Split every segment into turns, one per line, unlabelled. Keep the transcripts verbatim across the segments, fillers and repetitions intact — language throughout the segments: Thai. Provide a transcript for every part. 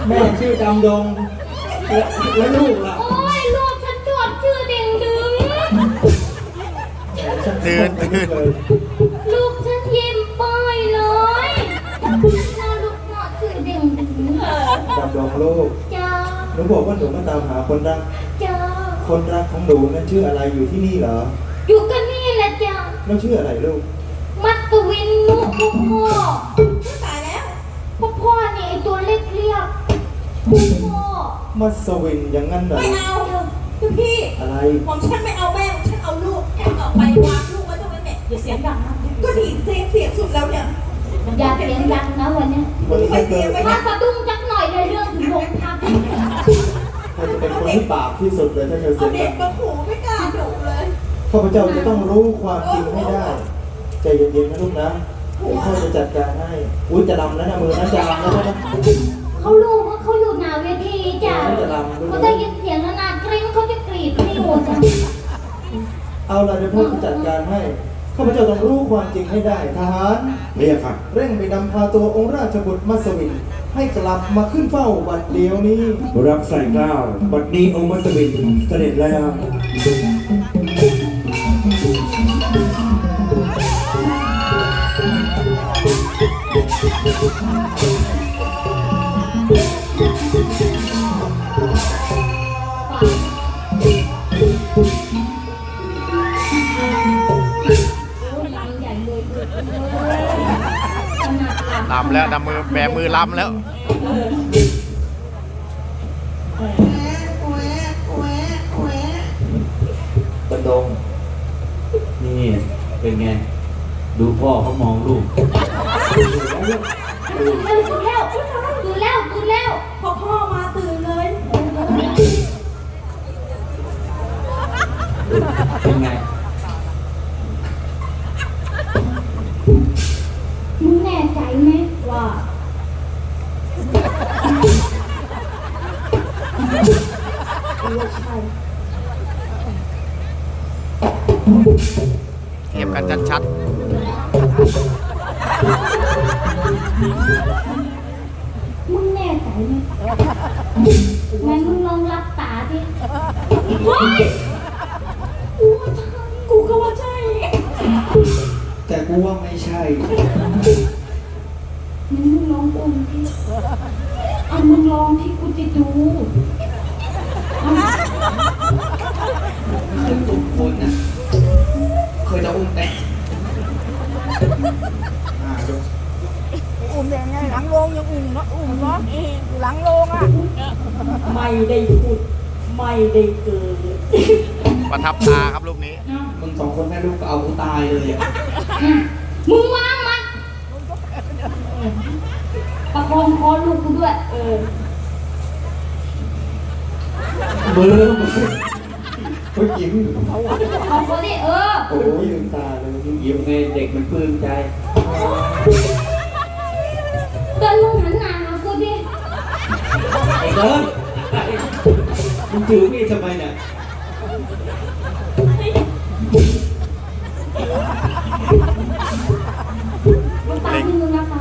แม่ชื่อดำดงแล้วลูกล่ะ
โอ้ยลูกฉันจดชื่อเด่งดึง
ตื่นตื่น
ลูกฉันยิ้มเปยเลยน่าลูกเนาะชื่อเด่งดึง
ดำดงลูก
จ้า
หนูบอกว่าหนูมาตามหาคนรัก
จ้า
คนรักของหนูนั้นชื่ออะไรอยู่ที่นี่เหรอ
อยู่กันนี่แหละจ้า
แล้วชื่ออะไรลูก
มัตวินนุพ่อพ่อ
ตายแล้ว
พ่อพ่อนี่ไอตัวเล็กเรียกพ่อพ่อ
มัสวินอย่างนั้นเหรอ
ไม่เอาคุณพี่
อะไร
ผมฉันไม่เอาแม่ฉันเอาลูกแอบออกไปวางลูกไว้ตรงนั้นเนี่ยอย่าเสียงดังนะก็ดีเสียงเสียงสุดแล้วเนี่ย
อย่าเสียงดังนะวันนี้
ไม่เกิน
ถ้าสะดุ้งจักหน่อยในเรื่องถึงโรงพัก
เธอจะเป็นคนที่บาปที่สุดเลยถ้าเธอเสียงดัง
เอาเด็กมาขู่ไม่กล้าดุเลย
ข้าพเจ้าจะต้องรู้ความจริงให้ได้ใจเย็นๆนะลูกนะเดี๋ยวพ่อจะจัดการให้อุ้ยจะดำแล้วนะมือนะจะดำแล้วนะ
เขารู้ว่าเขาอยู่หน้าเวทีจ้ะเขาได้ยินเสียงนานๆกริ้งเขาจะกรีดไม่หัวจ้ะ
เอาล่ะเดี๋ยวพ่อจะจัดการให้ข้าพเจ้าต้องรู้ความจริงให้ได้ทหาร
เรียกครับ
เร่งไปนำพาตัวองค์ราชบุตรมัสวินให้กลับมาขึ้นเฝ้าบัดเดียวนี้
รับใส่เกล้าบัดนี้องค์มัสวินเสด็จแล้ว
ลำแล้วดำมือแบมือลำแล้ว
กระดง
นี่เป็นไงดูพ่อเขามองลูก
ดูแล้วดูแล้วดูแล้ว
พอพ่อมาตื่นเลย
เป็นไง
มึงแน่ใจไหมว่า
เทียบกันชัด
มึงแน่ใจไหมงั้นมึงลองรับตาดิว้ายกูก็ว่าใช่
แต่กูว่าไม่ใช่
มึงลองอุ้มที่เอามึงลองที่กูจะดู
เคยตุ้มคนนะเคยจะอุ้มแต่
อุ้มยังไงหลังโรงยังอุ้มเนาะอุ้มเนาะอยู่หลังโรงอ่ะไม่ได้พูดไม่ได้เกิด
ประทับตาครับรูปนี้
มึงสองคนแม่ลูกก็เอากูตายเลยอ่ะ
มึงวางมันประคองคอลูกกูด้วยเออ
เบอร์เฮ้ยยิ้ม
เอาเขาดิเออ
โอ้ยลืมตาเลย
ยิ้มไงเด็กมันปลื้มใจ
เดินมึงหันหน้าหากูดิ
ไอ้เดินมึงถือมีดทำไมเนี่ย
มึงตามที่มึงนะคะ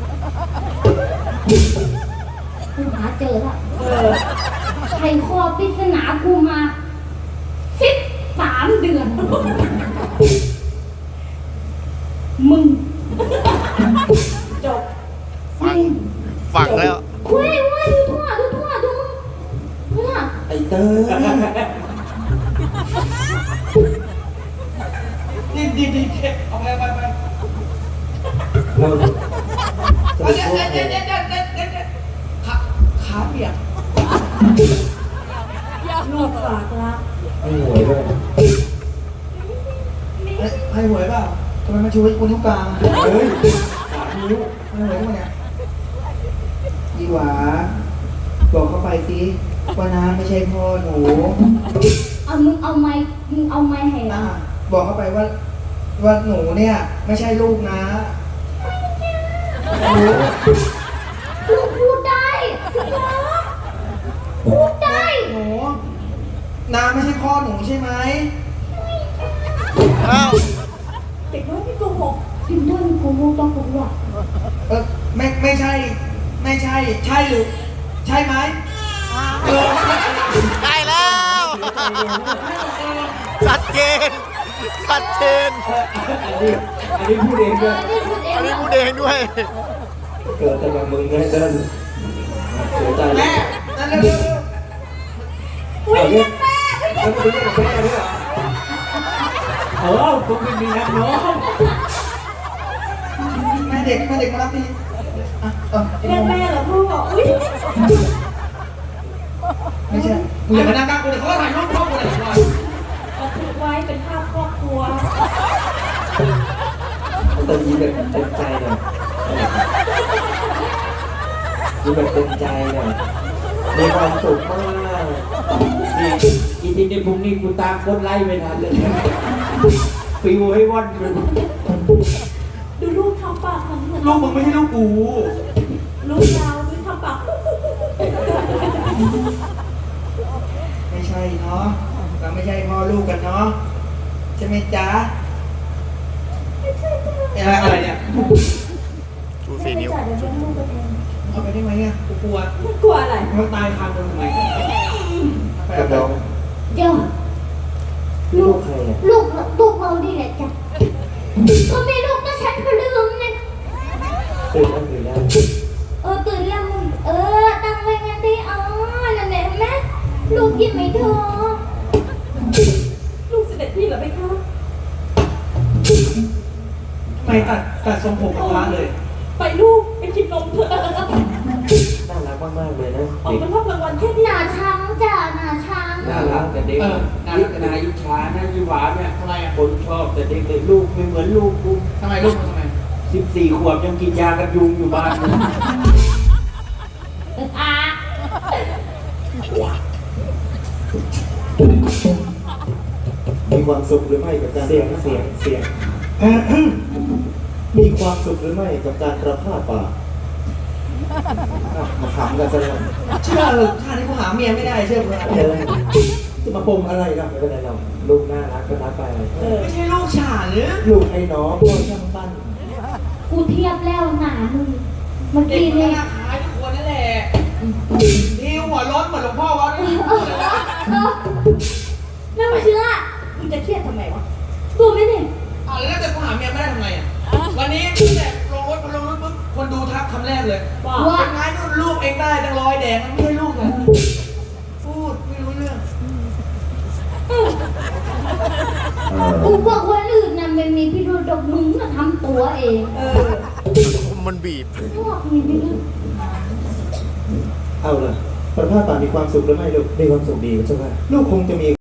กูหาเจอแล้วไขข้อปริศนากูมาสิบสามเดือนมึงจบ
ฟังฟังแล้ว
เว้ยเว้ยดูทั่วดูทั่วดูมึงน่ะ
ไอ้เต้ดีดีดีเอาไปไปไปเราเดี๋ยวเดี๋ยวเดี๋ยวเดี๋ยวเดี๋ยวขาขาเปียก
ลูกฝากรัก
ให้หวยด้วยให้หวยเปล่าทำไมมาช่วยคนนิ้วกลางเฮ้ยสามนิ้วให้หวยมั้งเนี่ยยีหวาบอกเข้าไปสิว่าน้ำไม่ใช่พ่อหนู
เอามึงเอาไม้มึงเอาไม้ให้
บอกเข้าไปว่าว่าหนูเนี่ยไม่ใช่ลูกนะ
ลูกพูดได้พูดได้
หนูน้าไม่ใช่พ่อหนูใช่ไหม
อ้าว
เด็กน้อยที่โกหก
พิมพ์ด้วยโกหกต้องโกหก
เออไม่ไม่ใช่ไม่ใช่ใช่หรือใช่ไหมเออ
ได้แล้ว ชัดเจนชัดเจน
อันนี้อันนี้พูดเองด้วย
อันนี้พูดเองด้วย
เกิดแต่กับมึงไงเดินเสียใจ
แม่นั่นเร็ว
อุ้ยแม่แล้วมึงจะกับแม่ด้วยเหรอเออผมเป็นมีนักน้อง
ๆแม่เด็กแม่เด็กมารับทีอ่ะเออ
เรียกแม่เหรอพ่ออุ้ย
ไม่ใช่มึงอย่ามานั่งกลางกูเลยเขาก็ถ่ายรูปพ่อกูเลยก่อน
บันทึกไว้เป็นภาพครอบครัว
แต่ยิ้มแบบเต็มใจหน่อยยิ้มแบบเต็มใจหน่อยมีความสุขมากนี่อีทีนี้พรุ่งนี้กูตามคนไล่ไม่ทันเลยปิวให้ว่อนไป
ดูลูกทำปากเหมือนเหมือน
ลูกมึงไม่ใช่ลูกกู
ลูกยาวดูทำปาก
ไม่ใช่เนาะเราไม่ใช่พ่อลูกกันเนาะใช่ไหมจ๊ะอะไรอะไรเนี่ย
ชูสี่นิ้ว
จ่ายเดี๋ยวเลี้ยงลูกกันเอง
เอาไปได้ไหมอ่ะกูกลัว
ไม่กลัวอะไร
มันตายคาตรงไหนไป
กับ
เอา
น้อง
เดี๋ยว
ลูกใครอ่ะ
ลูกลูกเราดีแหละจ้ะก็มีลูกก็ฉันก็ลืมเนี่ย
ตื่นแล้วตื่นแล้ว
เออตื่นแล้วมึงเออตั้งไว้งั้นดิอ๋อนั่นแหละแม่ลูกยิ้มไหมเธอ
ลูกเสด็จพี่เหรอไหมคะ
ไม่ตัดตัดทรงผมกับพระเลย
ไปลูกไปกินนมเถอะ
น่ารักมากๆเลยนะ
ออก
เด็ก
เป็นภาพรางวัลแค่
ห
นี้
นาช้างจ้ะหนาช้าง
น่ารักแต่เด็ก
เออน่ารักแต่เด็ก
นายอิจฉานะยี่หวาเนี่ย
ทำไมอ่ะ
คนชอบแต่เด็กเลยลูกไม่เหมือนลูกกู
ทำไมลูกมันทำไม
สิบสี่ขวบยังกินยากันยุงอยู่บ้านเลย
อ่ะ
มีความสุขหรือไม่กับการ
เสียงเสียงเสียง
มีความสุขหรือไม่กับการประพาสป่าอ่ะมาขำกันซะแล้ว
เชื่อเหรอชาตินี้กูหาเมียไม่ได้เชื่อกู
เออ
จะมาปมอะไรล่ะ
ไม่เป็นไรหรอกลูกน่ารักก็รักไป
เออ
ไม่ใช่ลูกฉาหรือ
ลูกไอ้น้องพ่อช่างปั้น
กูเทียบแล้วหนามึงเมื่อ
เด็ก
กี้
มัน
เนี่
ก็
ย
หน้าคล้ายทุกคนนั่นแหละนี่หัวร้อนเหมือนหลวงพ่อวะนี่
เออเออไม่เชื่อ
มึงจะเครียดทำไมวะ
ตัวไม่เนี่ย
อ่ะแล้วถ้าเกิดกูหาเมียไม่ได้ทำไงอ่ะวันนี้ตั้งแต่ลงรถพอลงรถปุ๊บคนดูทักคำแรกเลย
ว่า
ว่า
เป็นไงนู่นลูกเองได้ตั้งร้อยแดงมันไม่ใช่ลูกนะพูดไม่รู้เรื่อง
กูบอกว่าอื่นน่ะมันมีพิรุธดอกมึงน่ะทำตัวเอง
เออ
มันบีบ
พวกมีพิรุธ
เอาล่ะประพาสป่ามีความสุขหรือไม่ลูก
มีความสุขดีใช่ไหม
ลูกคงจะมี